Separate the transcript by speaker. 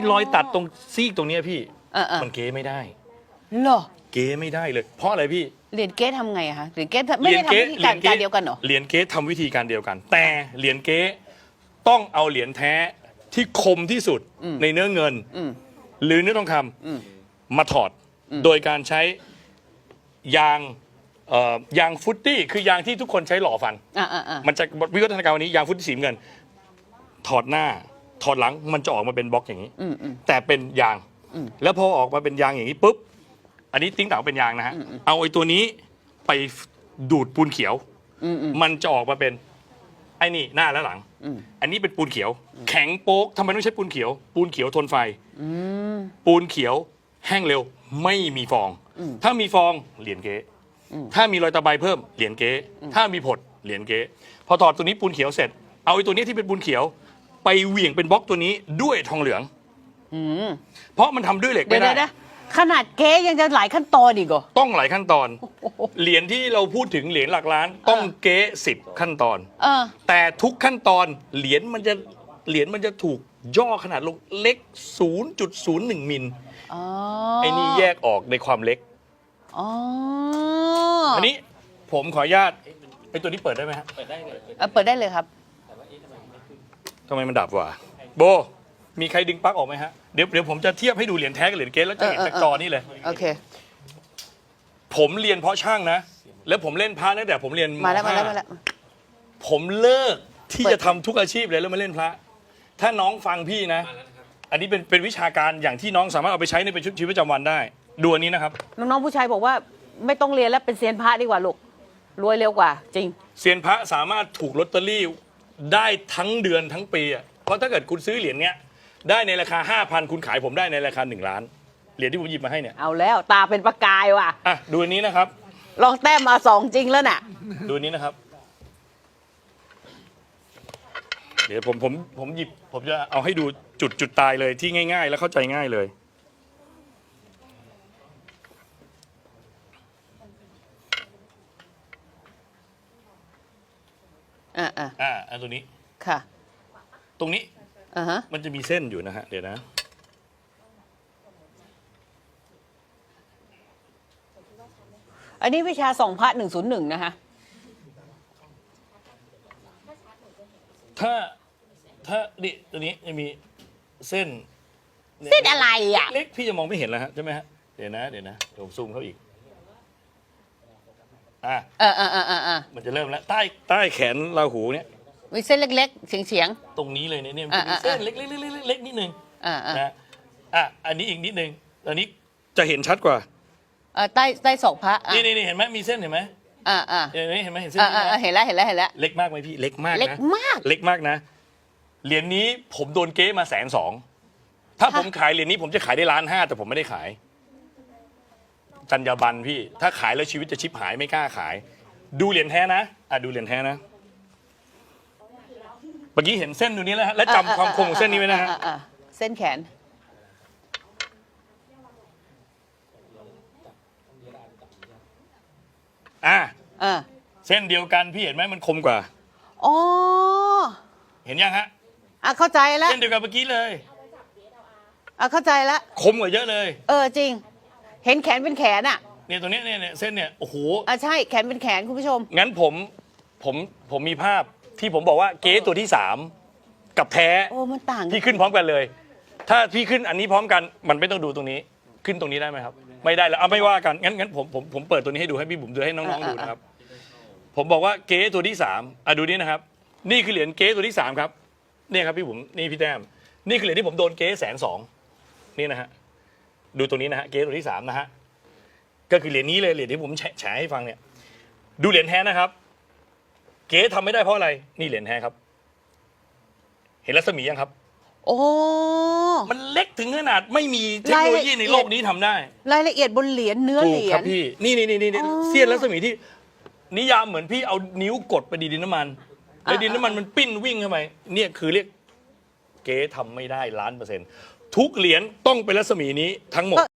Speaker 1: รอยตัดตรงซีกตรงเนี้ยพี่มันเก๋ไม่ได้
Speaker 2: เหรอ
Speaker 1: เก๋ไม่ได้เลยเพราะอะไรพี่
Speaker 2: เหรียญเก๊ทำไงอะคะเหรียญเก๊ไม่ได้ทำวิธีการเดียวกันเหรอ
Speaker 1: เหรียญเก๊ทำวิธีการเดียวกันแต่เหรียญเก๊ต้องเอาเหรียญแท้ที่คมที่สุดในเนื้อเงินหรือเนื้อทองคำมาถอดโดยการใช้ยางฟุตตี้คือยางที่ทุกคนใช้หล่อฟันมันจะวิวัฒนาการวันนี้ยางฟุตตี้สีเงินถอดหน้าถอดหลังมันจะออกมาเป็นบล็อกอย่างนี้แต่เป็นยางแล้วพอออกมาเป็นยางอย่างนี้ปุ๊บอันนี้ติ้งต่างเป็นยางนะฮะเอาไอ้ตัวนี้ไปดูดปูนเขียวมันจะออกมาเป็นไอ้นี่หน้าและหลังอันนี้เป็นปูนเขียวแข็งโป๊กทำไมต้องใช้ปูนเขียวปูนเขียวทนไฟปูนเขียวแห้งเร็วไม่มีฟองถ้ามีฟองเหรียญเก๊ถ้ามีรอยตะไบเพิ่มเหรียญเก๊ถ้ามีผดเหรียญเก๊พอถอดตัวนี้ปูนเขียวเสร็จเอาไอ้ตัวนี้ที่เป็นปูนเขียวไปเหวี่ยงเป็นบล็อกตัวนี้ด้วยทองเหลืองเพราะมันทำด้วยเหล็กไม่ได้
Speaker 2: ขนาดเก๊ยังจะหลายขั้นตอนอีกเหรอ
Speaker 1: ต้องหลายขั้นตอนเหรียญที่เราพูดถึงเหรียญหลักล้านต้องเก๊10ขั้นตอนแต่ทุกขั้นตอนเหรียญมันจะถูกย่อขนาดลงเล็ก 0.01 มิลไอ้นี่แยกออกในความเล็กอันนี้ผมขออนุญาตไอ้ตัวนี้เปิดได้ไหมฮะ
Speaker 2: เปิดได้เลยเปิดได้เลยครับ
Speaker 1: ทำไมมันดับวะโบมีใครดึงปลั๊กออกไหมฮะเดี๋ยวผมจะเทียบให้ดูเหรียญแท้กับเหรียญเก๊แล้วจะเห็นจากจอนี่เลย
Speaker 2: โอเค
Speaker 1: ผมเรียนเพราะช่างนะแล้วผมเล่นพระตั้งแต่ผมเรียน
Speaker 2: มาแล้ว
Speaker 1: ผมเลิกที่จะทำทุกอาชีพเลยแล้วมาเล่นพระถ้าน้องฟังพี่นะอันนี้เป็นวิชาการอย่างที่น้องสามารถเอาไปใช้ในชีวิตประจำวันได้ดูอันนี้นะครับ
Speaker 2: น้องๆผู้ชายบอกว่าไม่ต้องเรียนแล้วเป็นเซียนพระดีกว่าลูกรวยเร็วกว่าจริง
Speaker 1: เซียนพระสามารถถูกลอตเตอรี่ได้ทั้งเดือนทั้งปีอ่ะเพราะถ้าเกิดคุณซื้อเหรียญเนี้ยได้ในราคา 5,000 คุณขายผมได้ในราคา1 ล้านเหรียญที่ผมหยิบมาให้เนี่ย
Speaker 2: เอาแล้วตาเป็นประกายว่ะ
Speaker 1: อ่ะดูอันนี้นะครับ
Speaker 2: ลองแต้มมา2จริงแล้วน่ะ
Speaker 1: ดูนี้นะครับเดี๋ยวผมหยิบผมจะเอาให้ดูจุดตายเลยที่ง่ายๆและเข้าใจง่ายเลยอันตัวนี้
Speaker 2: ค่ะ
Speaker 1: ตรงนี้มันจะมีเส้นอยู่นะฮะเดี๋ยวนะ
Speaker 2: อันนี้วิชาส่องพระ101นะคะ
Speaker 1: ถ้าดิตัวนี้จะมีเส้น
Speaker 2: อะไรอ่ะ
Speaker 1: เล็กพี่จะมองไม่เห็นแล้วฮะใช่ไหมฮะเดี๋ยวนะผมซูมเข้าอีกมันจะเริ่มแล้วใต้แขนราหูเนี่ย
Speaker 2: มีเส้นเล็กๆเฉียง
Speaker 1: ตรงนี้เลยเนี่ยมันจะมีเส้นเล็กนิดนึงนะอันนี้อีกนิดนึงอันนี้จะเห็นชัดกว่า
Speaker 2: ใต้ศอกพระ
Speaker 1: นี่เห็นไหมมีเส้นเห็นไหมเห็นไหมเห็นเส้น
Speaker 2: เห็นแล้ว
Speaker 1: เล็กมากไหมพี่เล็กมากนะ
Speaker 2: เล็ก
Speaker 1: มากนะเหรียญนี้ผมโดนเก๊มา120,000ถ้าผมขายเหรียญนี้ผมจะขายได้1,500,000แต่ผมไม่ได้ขายจรรยาบรรณพี่ถ้าขายแล้วชีวิตจะชิบหายไม่กล้าขายดูเหรียญแท้นะดูเหรียญแท้นะเมื่อกี้เห็นเส้นตรงนี้แล้วฮะและจำความคมของเส้นนี้ไว้นะฮะ
Speaker 2: เส้นแขน
Speaker 1: เส้นเดียวกันพี่เห็นไหมมันคมกว่า
Speaker 2: อ๋อ
Speaker 1: เห็นยังฮะ
Speaker 2: เข้าใจแล้ว
Speaker 1: เส้นเดียวกันเมื่อกี้เลย
Speaker 2: เข้าใจแล้ว
Speaker 1: คมกว่าเยอะเลย
Speaker 2: จริงเห็นแขนเป็นแขนอ่ะ
Speaker 1: เนี่ยตัวนี้เนี่ยเส้นเนี่ยโอ้โห
Speaker 2: ใช่แขนเป็นแขนคุณผู้ชม
Speaker 1: งั้นผมมีภาพที่ผมบอกว่าเก๊ตัวที่3กับแท้
Speaker 2: มันต่าง
Speaker 1: พี่ขึ้นพร้อมกันเลยถ้าพี่ขึ้นอันนี้พร้อมกันมันไม่ต้องดูตรงนี้ขึ้นตรงนี้ได้ไหมครับไม่ได้แล้วไม่ว่ากันงั้นผมเปิดตัวนี้ให้ดูให้พี่บุ๋มดูให้น้องๆดูนะครับผมบอกว่าเก๊ตัวที่3ดูนี่นะครับนี่คือเหรียญเก๊ตัวที่3ครับนี่ครับพี่บุ๋มนี่พี่แต้มนี่คือเหรียญที่ผมโดนเก๊120,000นี่นะฮะดูตัวนี้นะฮะเก๊ตัวที่3นะฮะก็คือเหรียญนี้เลยเหรียญที่ผมแฉให้ฟังเนี่ยดูเหรียญแท้นะครับเก๊ทำไม่ได้เพราะอะไรนี่เหรียญแท้ครับเห็นรัศมียังครับมันเล็กถึงขนาดไม่มีเทคโนโลยีในโลกนี้ทำได้
Speaker 2: รายละเอียดบนเหรียญเนื้อเหรียญ
Speaker 1: ครับพี่นี่เสี้ยนรัศมีที่นิยามเหมือนพี่เอานิ้วกดไปดินน้ำมันแล้วดินน้ำมันมันปิ้นวิ่งเข้าไปเนี่ยคือเรียกเก๊ทำไม่ได้1,000,000%ทุกเหรียญต้องเป็นรัศมีนี้ทั้งหมด